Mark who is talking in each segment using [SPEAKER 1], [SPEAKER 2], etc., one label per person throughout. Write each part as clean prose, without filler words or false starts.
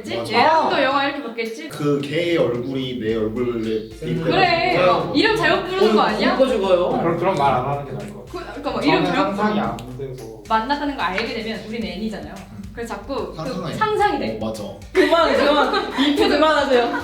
[SPEAKER 1] 바뀌었겠지?
[SPEAKER 2] 맞아.
[SPEAKER 1] 얘랑도 영화 이렇게 바뀌었지?
[SPEAKER 2] 그 걔의 얼굴이 내 얼굴에
[SPEAKER 1] 그래 이름 잘못 부르는 거 아니야?
[SPEAKER 3] 굶고 죽어요.
[SPEAKER 4] 그런 말 안 하는 게 나을 것 같아요.
[SPEAKER 1] 그러니까 뭐 이름
[SPEAKER 4] 저는
[SPEAKER 1] 잘못
[SPEAKER 4] 상상이
[SPEAKER 1] 부르는
[SPEAKER 4] 안 돼서.
[SPEAKER 1] 만났다는 거 알게 되면 우리는 N이잖아요. 그래서 자꾸 그
[SPEAKER 2] 상상해.
[SPEAKER 1] 상상이 돼.
[SPEAKER 2] 맞아.
[SPEAKER 3] 그만 이프 그만하세요.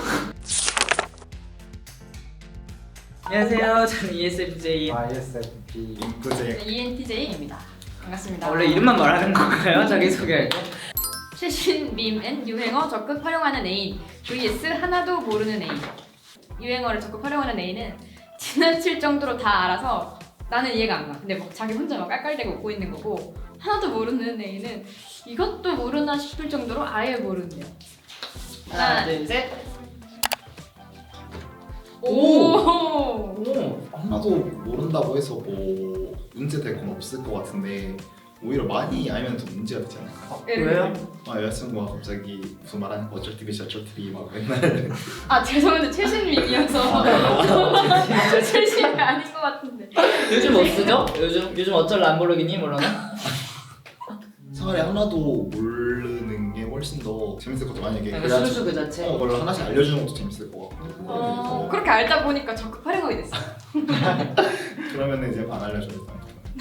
[SPEAKER 3] 안녕하세요. 저는 ESFJ.
[SPEAKER 4] ISFP.
[SPEAKER 2] 그제
[SPEAKER 1] ENTJ입니다. 반갑습니다.
[SPEAKER 3] 원래 이름만 말하는 건가요? 자기소개할 때?
[SPEAKER 1] 최신 밈 앤 유행어 적극 활용하는 애인 vs 하나도 모르는 애인. 유행어를 적극 활용하는 애인은 지나칠 정도로 다 알아서 나는 이해가 안 가. 근데 막 자기 혼자 막 깔깔대고 웃고 있는 거고, 하나도 모르는 애인은 이것도 모르나 싶을 정도로 아예 모르는데요.
[SPEAKER 3] 하나, 둘, 셋.
[SPEAKER 1] 오.
[SPEAKER 2] 하나도 모른다고 해서 뭐 문제 될 건 없을 것 같은데 오히려 많이 알면 더 문제가 되지 않을까?
[SPEAKER 3] 왜요?
[SPEAKER 2] 여자친구가 갑자기 무슨 말하는 거 어쩔 TV 저쩔 TV 막 맨날
[SPEAKER 1] 아 죄송한데 최신 밈이어서 최신이 아닌 것 같은데.
[SPEAKER 3] 요즘 뭐 쓰죠? 요즘 어쩔 람보르기니 몰라나?
[SPEAKER 2] 차라리 하나도 모르는 게 훨씬 더 재밌을 것 같아. 만약에
[SPEAKER 3] 그러니까 술수 그 자체.
[SPEAKER 2] 그걸 하나씩 알려주는 것도 재밌을 것 같고
[SPEAKER 1] 그렇게 알다 보니까 적극 활용하게 됐어.
[SPEAKER 2] 그러면은 이제 안 알려줘야 돼.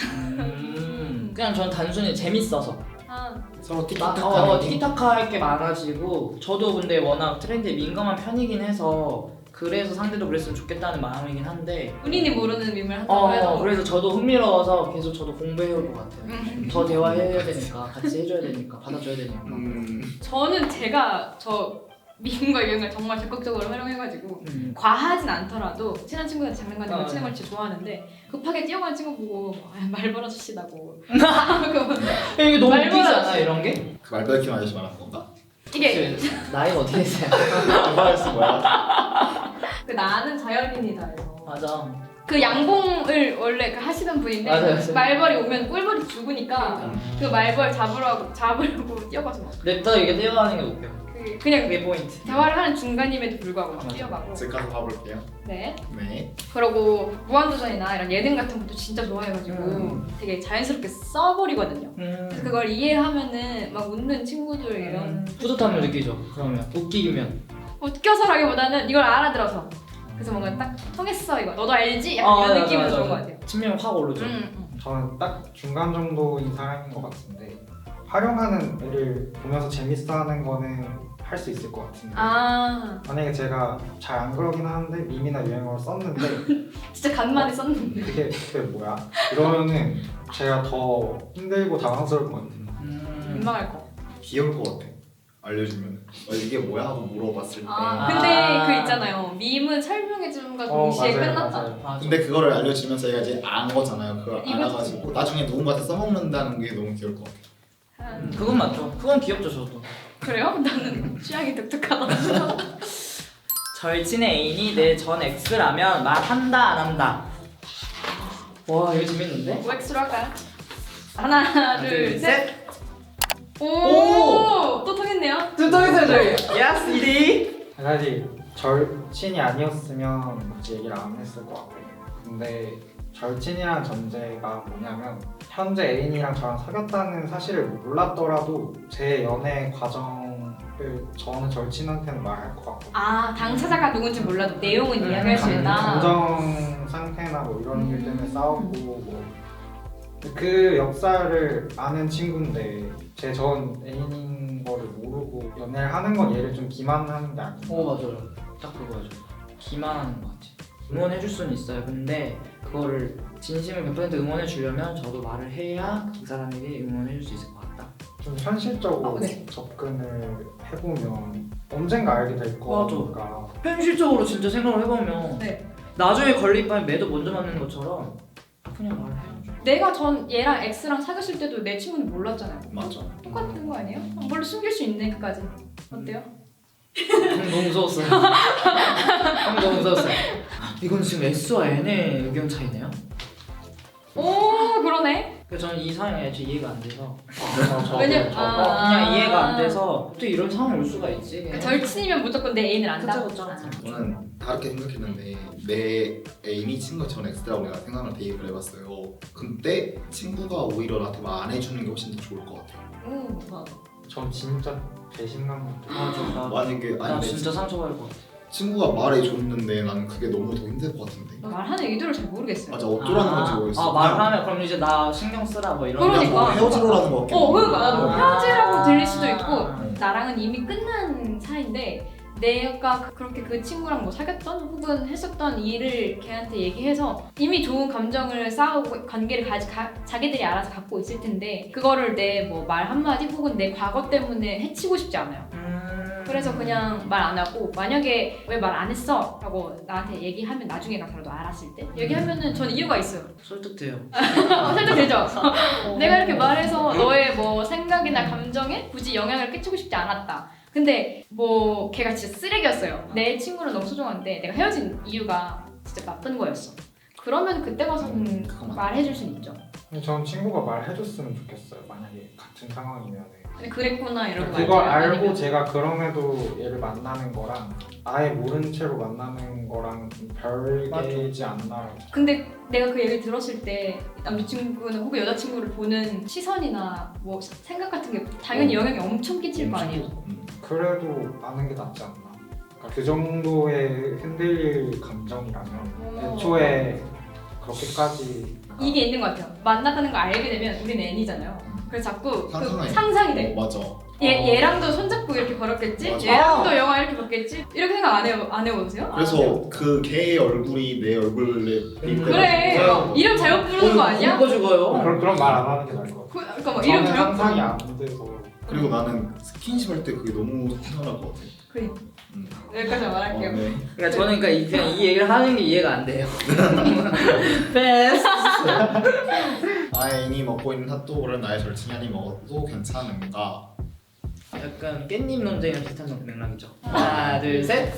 [SPEAKER 3] 그냥 전 단순히 재밌어서.
[SPEAKER 1] 아,
[SPEAKER 2] 서로 티키타카
[SPEAKER 3] 티키타카 할 게 많아지고, 저도 근데 워낙 트렌드에 민감한 편이긴 해서 그래서 상대도 그랬으면 좋겠다는 마음이긴 한데,
[SPEAKER 1] 본인이 모르는 밈을 한다고 해서
[SPEAKER 3] 그래서 저도 흥미로워서 계속 저도 공부해올 것 같아요. 더 대화해야 되니까, 같이 해줘야 되니까, 받아줘야 되니까.
[SPEAKER 1] 저는 제가 저 밈과 유행을 정말 적극적으로 활용해가지고 과하진 않더라도 친한 친구한테 장난감이고
[SPEAKER 3] 아,
[SPEAKER 1] 친한 걸 진짜 좋아하는데 급하게 뛰어가는 친구 보고 말 벌어주시다고
[SPEAKER 3] 이게 너무
[SPEAKER 1] 말
[SPEAKER 3] 웃기지 않아
[SPEAKER 1] 걸어주시-
[SPEAKER 3] 이런 게?
[SPEAKER 2] 그 말벌킴 아저씨 말하는 건가?
[SPEAKER 1] 이게
[SPEAKER 3] 나이가 어떻게 되세요?
[SPEAKER 2] 말벌킴 뭐야?
[SPEAKER 1] 그 나는 자연인이다요.
[SPEAKER 3] 맞아.
[SPEAKER 1] 그 양봉을 원래 그 하시던 분인데
[SPEAKER 3] 맞아요.
[SPEAKER 1] 말벌이 오면 꿀벌이 죽으니까 그 말벌 잡으려고 뛰어가서 막
[SPEAKER 3] 냅다 이게 뛰어가는 게 웃겨.
[SPEAKER 1] 그냥
[SPEAKER 3] 그게 포인트.
[SPEAKER 1] 대화를 하는 중간임에도 불구하고 막
[SPEAKER 3] 맞아.
[SPEAKER 1] 뛰어가고.
[SPEAKER 2] 제가 가서 봐볼게요.
[SPEAKER 1] 네.
[SPEAKER 2] 네.
[SPEAKER 1] 그러고 무한도전이나 이런 예능 같은 것도 진짜 좋아해가지고 되게 자연스럽게 써버리거든요. 그래서 그걸 이해하면은 막 웃는 친구들 이런
[SPEAKER 3] 뿌듯함을 느끼죠. 그러면 웃기면.
[SPEAKER 1] 웃겨서라기보다는 이걸 알아들어서 그래서 뭔가 딱 통했어 이거 너도 알지? 약간 이런 느낌이 좋은 것 같아요.
[SPEAKER 3] 친밀감 확 오르죠.
[SPEAKER 4] 저는 딱 중간 정도인 사람인 것 같은데, 활용하는 애를 보면서 재밌어하는 거는 할 수 있을 것 같은데,
[SPEAKER 1] 아
[SPEAKER 4] 만약에 제가 잘 안 그러긴 하는데 밈이나 유행어를 썼는데
[SPEAKER 1] 진짜 간만에 썼는데
[SPEAKER 4] 그게 뭐야? 이러면은 제가 더 힘들고 당황스러울 것 같아요.
[SPEAKER 1] 민망할 거.
[SPEAKER 2] 귀여울 것 같아. 알려주면 이게 뭐야 하고 물어봤을 때.
[SPEAKER 1] 근데 그 있잖아요. 밈은 설명해주는가 동시에
[SPEAKER 4] 맞아요,
[SPEAKER 1] 끝났다.
[SPEAKER 4] 맞아요.
[SPEAKER 3] 맞아.
[SPEAKER 2] 근데 그거를 알려주면 저희가 이제 안 거잖아요. 그걸
[SPEAKER 1] 이거
[SPEAKER 2] 알아가지고 나중에 누군가한테 써먹는다는 게 너무 귀여울 것 같아.
[SPEAKER 3] 그건 맞죠. 그건 귀엽죠 저도.
[SPEAKER 1] 그래요? 나는 취향이 독특하다.
[SPEAKER 3] 절친의 애인이 내 전 X라면 말한다 안 한다. 와 이거 재밌는데?
[SPEAKER 1] OX로 할까요? 하나 둘 셋.
[SPEAKER 3] 오!
[SPEAKER 1] 또 통했네요.
[SPEAKER 3] 두통이서 저희. 예스 이디.
[SPEAKER 4] 사실 절친이 아니었으면 굳이 얘기를 안 했을 것 같아요. 근데 절친이라는 전제가 뭐냐면, 현재 애인이랑 저랑 사귀었다는 사실을 몰랐더라도 제 연애 과정을 저는 절친한테는 말할 것 같고,
[SPEAKER 1] 아 당사자가 누군지 몰라도 내용은 이야기할 수 있다.
[SPEAKER 4] 감정 상태나 뭐 이런 일 때문에 싸우고 뭐 그 역사를 아는 친구인데 제 전 애인인 거를 모르고 연애를 하는 건 얘를 좀 기만하는 게 아닌가.
[SPEAKER 3] 맞아요. 딱 그거죠. 기만하는 것 같아. 응원해줄 수는 있어요. 근데 그거를 진심을 100% 응원해 주려면 저도 말을 해야 그 사람에게 응원해줄 수 있을 것 같다.
[SPEAKER 4] 좀 현실적으로
[SPEAKER 1] 네.
[SPEAKER 4] 접근을 해보면 언젠가 알게 될 거니까.
[SPEAKER 3] 현실적으로 진짜 생각을 해보면
[SPEAKER 1] 네.
[SPEAKER 3] 나중에 걸릴 바에 매도 먼저 맞는 것처럼 그냥 말을 해야죠.
[SPEAKER 1] 내가 전 얘랑 X랑 사귀었을 때도 내 친구는 몰랐잖아요.
[SPEAKER 2] 맞아.
[SPEAKER 1] 똑같은 거 아니에요? 원래 숨길 수 있네 그까지. 어때요?
[SPEAKER 3] 너무 무서웠어요. 너무 무서웠어요. 이건 지금 S와 N의 의견 차이네요?
[SPEAKER 1] 오 그러네.
[SPEAKER 3] 그래서 저는 이 상황이 애초에 이해가 안 돼서
[SPEAKER 1] 왜냐면
[SPEAKER 3] 그냥 이해가 안 돼서 어떻게 이런 상황이 올 수가 있지? 그냥.
[SPEAKER 1] 절친이면 무조건 내 애인을 안다.
[SPEAKER 3] 그쵸.
[SPEAKER 2] 저는 다르게 생각했는데 내 애인이 친구가 전 X라고 내가 생각을 대입을 해봤어요. 근데 친구가 오히려 나한테 말 안 해주는 게 훨씬 더 좋을 것 같아요.
[SPEAKER 4] 전 진짜 배신감 같은
[SPEAKER 3] 맞아.
[SPEAKER 2] 만약에
[SPEAKER 3] 나
[SPEAKER 2] 아니
[SPEAKER 3] 진짜 상처받을 것 같아.
[SPEAKER 2] 친구가 말해줬는데 나는 그게 너무 더 힘들 것 같은데.
[SPEAKER 1] 말하는 의도를 잘 모르겠어요.
[SPEAKER 2] 맞아 어쩌라는 건지 모르겠어.
[SPEAKER 3] 말하면 그럼 이제 나 신경 쓰라 뭐 이런.
[SPEAKER 1] 그러니까.
[SPEAKER 2] 뭐 헤어지러라는 것 같긴 해.
[SPEAKER 1] 그러니까 나도 헤어지라고 들릴 수도 있고
[SPEAKER 3] 아.
[SPEAKER 1] 나랑은 이미 끝난 사이인데 내가 그렇게 그 친구랑 뭐 사귀었던 혹은 했었던 일을 걔한테 얘기해서 이미 좋은 감정을 쌓아오고 관계를 자기들이 알아서 갖고 있을 텐데 그거를 내 뭐 말 한마디 혹은 내 과거 때문에 해치고 싶지 않아요. 그래서 그냥 말 안 하고 만약에 왜 말 안 했어? 라고 나한테 얘기하면 나중에 가서라도 알았을 때 얘기하면은 전 이유가 있어요.
[SPEAKER 3] 설득돼요.
[SPEAKER 1] 살짝 되죠? 내가 이렇게 말해서 너의 뭐 생각이나 감정에 굳이 영향을 끼치고 싶지 않았다. 근데 뭐 걔가 진짜 쓰레기였어요. 내 친구는 너무 소중한데 내가 헤어진 이유가 진짜 나쁜 거였어. 그러면 그때 가서는
[SPEAKER 2] 그건
[SPEAKER 1] 말해줄 순 있죠.
[SPEAKER 4] 근데 전 친구가 말해줬으면 좋겠어요. 만약에 같은 상황이면.
[SPEAKER 1] 근데 그랬구나 이러고
[SPEAKER 4] 그걸
[SPEAKER 1] 말죠.
[SPEAKER 4] 알고
[SPEAKER 1] 아니면
[SPEAKER 4] 제가 그럼에도 얘를 만나는 거랑 아예 모른 채로 만나는 거랑 좀 별개지 않나.
[SPEAKER 1] 근데 내가 그 얘기를 들었을 때 남자친구는 혹은 여자친구를 보는 시선이나 뭐 생각 같은 게 당연히 영향이 엄청 끼칠 거 아니에요.
[SPEAKER 4] 그래도 아는 게 낫지 않나. 그러니까 그 정도의 흔들릴 감정이라면
[SPEAKER 1] 어.
[SPEAKER 4] 애초에 그렇게까지
[SPEAKER 1] 이게 있는 것 같아요. 만났다는 걸 알게 되면 우리는 N이잖아요. 그래서 자꾸 그
[SPEAKER 2] 상상해.
[SPEAKER 1] 상상이 돼.
[SPEAKER 2] 맞아.
[SPEAKER 1] 얘랑도 손잡고 이렇게 걸었겠지?
[SPEAKER 2] 맞아.
[SPEAKER 1] 얘랑도 영화 이렇게 봤겠지? 이렇게 생각 안 해보세요?
[SPEAKER 2] 그래서 그 걔의 얼굴이 내 얼굴에 비교해가지고
[SPEAKER 1] 그래
[SPEAKER 2] 생각하고.
[SPEAKER 1] 이름 잘못 부르는 거 아니야?
[SPEAKER 3] 굶고 죽어요.
[SPEAKER 4] 그런 말 안 하는 게 나을 것 같아요.
[SPEAKER 1] 그러니까 뭐 이름
[SPEAKER 4] 저는
[SPEAKER 1] 잘못
[SPEAKER 4] 상상이
[SPEAKER 1] 부르는
[SPEAKER 4] 안 돼서.
[SPEAKER 2] 그리고 나는 스킨십 할 때 그게 너무 생각날 것 같아.
[SPEAKER 1] 그래 여기까지만 말할게요.
[SPEAKER 2] 네.
[SPEAKER 3] 그러니까 저는 그냥 이 얘기를 하는 게 이해가 안 돼요. 패스.
[SPEAKER 2] 아인이 먹고 있는 핫도그를 나의 절친이 먹어도 괜찮은가?
[SPEAKER 3] 약간 깻잎 논쟁이랑 비슷한 맥락이죠. 하나, 둘, 셋.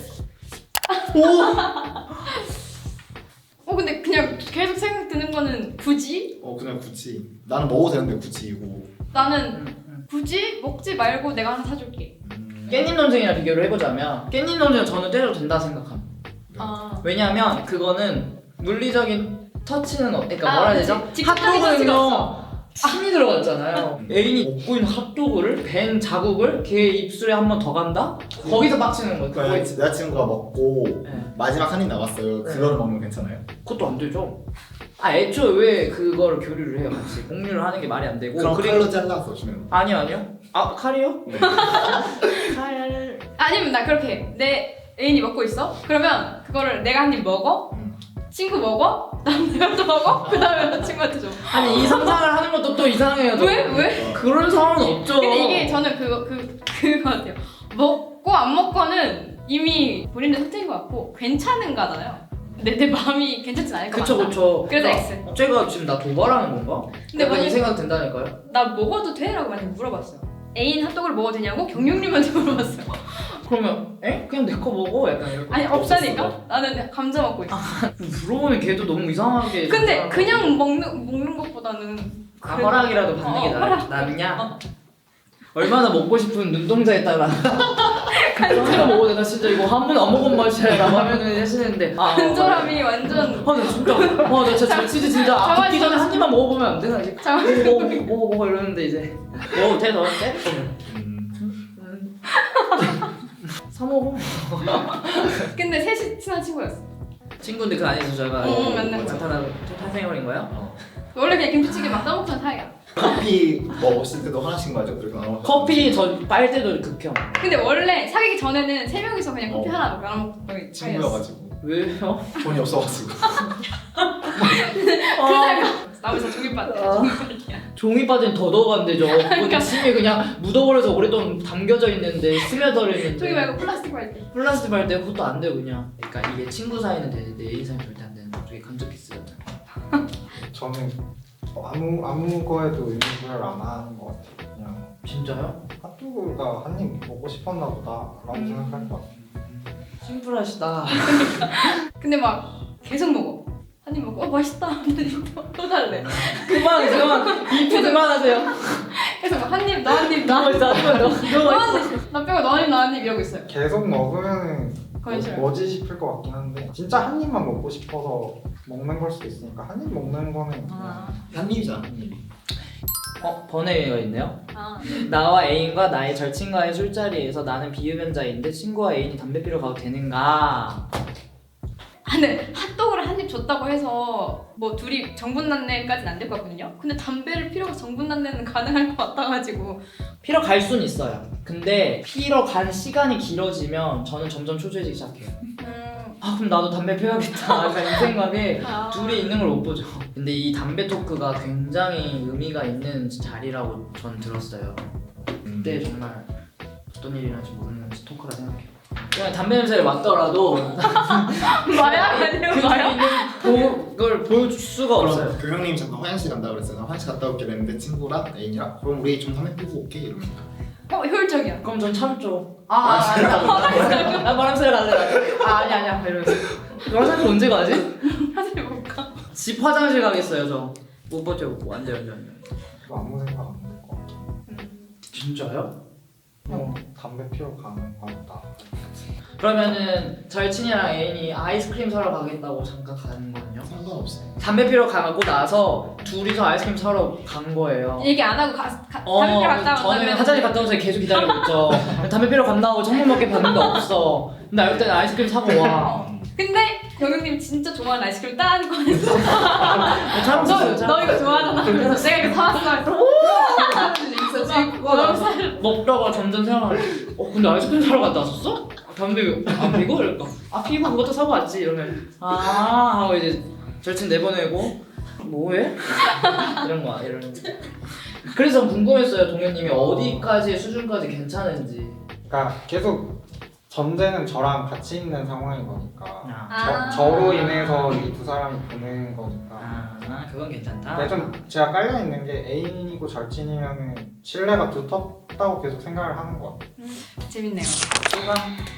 [SPEAKER 1] 근데 그냥 계속 생각 드는 거는 굳이?
[SPEAKER 2] 그냥 굳이 나는 먹어도 되는데 굳이 이거.
[SPEAKER 1] 나는 굳이 먹지 말고 내가 하나 사줄게.
[SPEAKER 3] 깻잎 논쟁이랑 비교를 해보자면 깻잎 논쟁은 저는 때려도 된다 생각합니다.
[SPEAKER 1] 아.
[SPEAKER 3] 왜냐하면 그거는 물리적인 터치는 그러니까
[SPEAKER 1] 아,
[SPEAKER 3] 뭐라 해야
[SPEAKER 1] 그치.
[SPEAKER 3] 되죠?
[SPEAKER 1] 직접적인 터치가
[SPEAKER 3] 핫도그는요 침이 들어갔잖아요. 애인이 먹고 있는 핫도그를 벤 자국을 걔 입술에 한 번 더 간다? 거기서 빡치는 거예요.
[SPEAKER 2] 그러니까 여자친구가 먹고
[SPEAKER 3] 네.
[SPEAKER 2] 마지막 한 입 남았어요. 그걸 먹으면 괜찮아요?
[SPEAKER 3] 그것도 안 되죠. 애초에 왜 그거를 교류를 해요 같이 공유를 하는 게 말이 안 되고
[SPEAKER 2] 그럼
[SPEAKER 3] 그리고
[SPEAKER 2] 칼로 잘라서 주면.
[SPEAKER 3] 아니요 칼이요?
[SPEAKER 2] 네.
[SPEAKER 3] 칼
[SPEAKER 1] 아니면 나 그렇게 해. 내 애인이 먹고 있어? 그러면 그거를 내가 한 입 먹어? 친구 먹어? 난 내가 또 먹어? 그 다음에 나 친구한테 줘.
[SPEAKER 3] 아니 이 상상을 하는 것도 또 이상해요. 저.
[SPEAKER 1] 왜?
[SPEAKER 3] 그런 상황은 없죠.
[SPEAKER 1] 근데 이게 저는 그거 같아요. 먹고 안 먹고는 이미 본인의 선택인 것 같고 괜찮은가잖아요. 내 마음이 괜찮진 않을 것 같아.
[SPEAKER 3] 그쵸.
[SPEAKER 1] 그래서
[SPEAKER 3] 그러니까
[SPEAKER 1] X.
[SPEAKER 3] 쟤가 지금 나 도발하는 건가?
[SPEAKER 1] 근데
[SPEAKER 3] 약간 이
[SPEAKER 1] 만약
[SPEAKER 3] 생각 든다니까요.
[SPEAKER 1] 나 먹어도 돼? 라고 만약에 물어봤어요. 애인 핫도그를 먹어도 되냐고 경영님한테 물어봤어요.
[SPEAKER 3] 그러면 그냥 내 거 먹어? 약간 이렇게.
[SPEAKER 1] 아니 없다니까? 나는 감자 먹고 있어.
[SPEAKER 3] 물어보면 걔도 너무 이상하게.
[SPEAKER 1] 근데 그냥 먹는 것보다는 그래도-
[SPEAKER 3] 허락이라도 받는 게
[SPEAKER 1] 허락.
[SPEAKER 3] 낫냐? 얼마나 먹고 싶은 눈동자에 따라. 제가 먹어도 되나 진짜 이거 한 번에 안 먹은 맛이야 라고 하면은 하시는데
[SPEAKER 1] 간절함이 완전
[SPEAKER 3] 나 진짜 나 진짜 치즈 진짜
[SPEAKER 1] 잠깐만,
[SPEAKER 3] 붓기 전에 한 입만 먹어보면 안 되나 이제
[SPEAKER 1] 잠깐만.
[SPEAKER 3] 먹어 이러는데 이제 먹어도 돼 너한테? 사 먹어.
[SPEAKER 1] 근데 셋이 친한 친구였어.
[SPEAKER 3] 친구인데 그 안에서 저희가
[SPEAKER 1] 만난 거야.
[SPEAKER 3] 탄생해버린 거예요?
[SPEAKER 1] 원래 그냥 김치찌개 막 싸먹던 사이야.
[SPEAKER 2] 커피 먹었을 때도 하나씩 마죠. 그렇게 나눠.
[SPEAKER 3] 커피 저 빨 때도 극혐.
[SPEAKER 1] 근데 원래 사귀기 전에는 세 명이서 그냥 커피 하나 나눠 먹던 사이였어.
[SPEAKER 2] 친구여가지고
[SPEAKER 3] 왜요?
[SPEAKER 2] 돈이 없어가지고.
[SPEAKER 1] 그 사이가 나머지 다 종이밭이야.
[SPEAKER 3] 종이 빠진 더 더간대죠.
[SPEAKER 1] 그러니까.
[SPEAKER 3] 침이 그냥 묻어버려서 오랫동안 담겨져 있는데 스며들어 있는데.
[SPEAKER 1] 종이 말고 플라스틱 빨대.
[SPEAKER 3] 플라스틱 발대 그것도 안 돼요 그냥. 그러니까 이게 친구 사이는 되는데 애인 사이는 절대 안 되는 거. 저게 감정 키스였잖아.
[SPEAKER 4] 저는 아무 거에도 의무를 안 하는 것 같아요. 그냥
[SPEAKER 3] 진짜요?
[SPEAKER 4] 핫도그가 한 입 먹고 싶었나 보다라고 생각할 것 같아요.
[SPEAKER 3] 심플하시다.
[SPEAKER 1] 근데 막 계속 먹어. 한 입 먹고 맛있다. 또 달래.
[SPEAKER 3] 그만 이프 그만하세요.
[SPEAKER 1] 계속 막 한 입, 너 한 입, 나
[SPEAKER 3] 누워 있어 누워 있어.
[SPEAKER 1] 너 한 입, 나 빼고 너 한 입, 나 한 입 이러고 있어요.
[SPEAKER 4] 계속 먹으면
[SPEAKER 1] 그건 싫어요.
[SPEAKER 4] 뭐지 싶을 것 같긴 한데 진짜 한 입만 먹고 싶어서 먹는 걸 수도 있으니까 한 입 먹는 거는
[SPEAKER 1] 아,
[SPEAKER 2] 한 입이잖아.
[SPEAKER 3] 번외가 있네요.
[SPEAKER 1] 아.
[SPEAKER 3] 나와 애인과 나의 절친과의 술자리에서 나는 비흡연자인데 친구와 애인이 담배 피러 가도 되는가?
[SPEAKER 1] 근데 핫도그를 한 입 줬다고 해서 뭐 둘이 정분난내까지는 안 될 것 같거든요. 근데 담배를 피려고 정분난내는 가능할 것 같아가지고
[SPEAKER 3] 피러 갈 순 있어요. 근데 피러 간 시간이 길어지면 저는 점점 초조해지기 시작해요. 아 그럼 나도 담배 피워야겠다 약간 이 생각에
[SPEAKER 1] 아.
[SPEAKER 3] 둘이 있는 걸 못 보죠. 근데 이 담배 토크가 굉장히 의미가 있는 자리라고 전 들었어요. 그때 정말 어떤 일이 일어날지 모르는 토크라 생각해요. 그냥 담배 냄새를 맡더라도
[SPEAKER 1] 마약 아니에요 마약?
[SPEAKER 3] 그걸 보여줄 수가 없어요.
[SPEAKER 2] 그럼 그 형님 잠깐 화장실 간다 그랬어요. 나 화장실 갔다 올게 그랬는데 친구랑 애인이랑 그럼 우리 좀 담배 피고 올게 이러면
[SPEAKER 1] 효율적이야.
[SPEAKER 3] 그럼 전 참죠. 나 바람쐬러 갈래. 아니야 이러면서. 너 화장실 언제 가지?
[SPEAKER 1] 화장실 못 가.
[SPEAKER 3] 집 화장실 가겠어요 저. 못 버텨 안 돼요.
[SPEAKER 4] 그거 아무 생각 안 들 것 같아.
[SPEAKER 3] 진짜요?
[SPEAKER 4] 담배 피러 가는 거 같다.
[SPEAKER 3] 그러면은 절친이랑 애인이 아이스크림 사러 가겠다고 잠깐 가는 거는요?
[SPEAKER 2] 상관없어요.
[SPEAKER 3] 담배 피러 가고 나서 둘이서 아이스크림 사러 간 거예요.
[SPEAKER 1] 얘기 안 하고 담배 피러 갔다
[SPEAKER 3] 저는
[SPEAKER 1] 온다면
[SPEAKER 3] 화장실 갔다 오면서 계속 기다리고 있죠. 담배 피러 간다고 창문 밖에 봤는데 없어. 근데 알고 때는 아이스크림 사고 와.
[SPEAKER 1] 근데 경영님 진짜 좋아하는 아이스크림 딴 거에서 너 이거 좋아하잖아. 그래서 내가 이거 사왔어. 있어 지금 그거 너무 살.
[SPEAKER 3] 먹다가 점점 생각하는 근데 아이스크림 사러 갔다 왔었어? 담배 안 피고? 이럴까? 피고 그것도 사고 왔지 이러면 하고 이제 절친 내보내고 뭐해? 이런 거 이러는 그래서 궁금했어요 동현님이 어디까지의 수준까지 괜찮은지.
[SPEAKER 4] 그러니까 계속 전제는 저랑 같이 있는 상황인 거니까
[SPEAKER 1] 아.
[SPEAKER 4] 저로 인해서 이 두 사람이 보는 거니까
[SPEAKER 3] 그건 괜찮다.
[SPEAKER 4] 근데 좀 제가 깔려 있는 게 애인이고 절친이면은 신뢰가 두텁다고 계속 생각을 하는 것 같아요.
[SPEAKER 1] 재밌네요.
[SPEAKER 3] 수강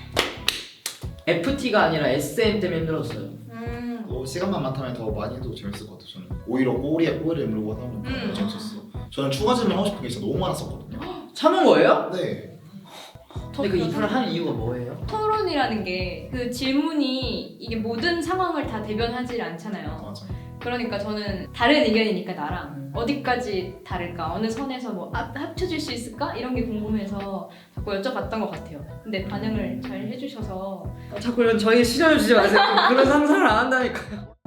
[SPEAKER 3] FT가 아니라 SM 때문에 힘들었어요.
[SPEAKER 2] 시간만 많다면 더 많이 해도 재밌을 것 같아요. 저는 오히려 꼬리에 꼬리를 물고 하다 보니까 더 재밌었어요. 저는 추가 질문 하고 싶은 게 진짜 너무 많았었거든요.
[SPEAKER 3] 참은 거예요?
[SPEAKER 2] 네.
[SPEAKER 3] 근데 그 이프를 한 이유가 뭐예요?
[SPEAKER 1] 토론이라는 게 그 질문이 이게 모든 상황을 다 대변하지 않잖아요.
[SPEAKER 2] 맞아.
[SPEAKER 1] 그러니까 저는 다른 의견이니까 나랑 어디까지 다를까? 어느 선에서 뭐 합쳐질 수 있을까? 이런 게 궁금해서 자꾸 여쭤봤던 것 같아요. 근데 반응을 잘 해주셔서
[SPEAKER 3] 자꾸 이런 저희 시련을 주지 마세요. 그런 상상을 안 한다니까요.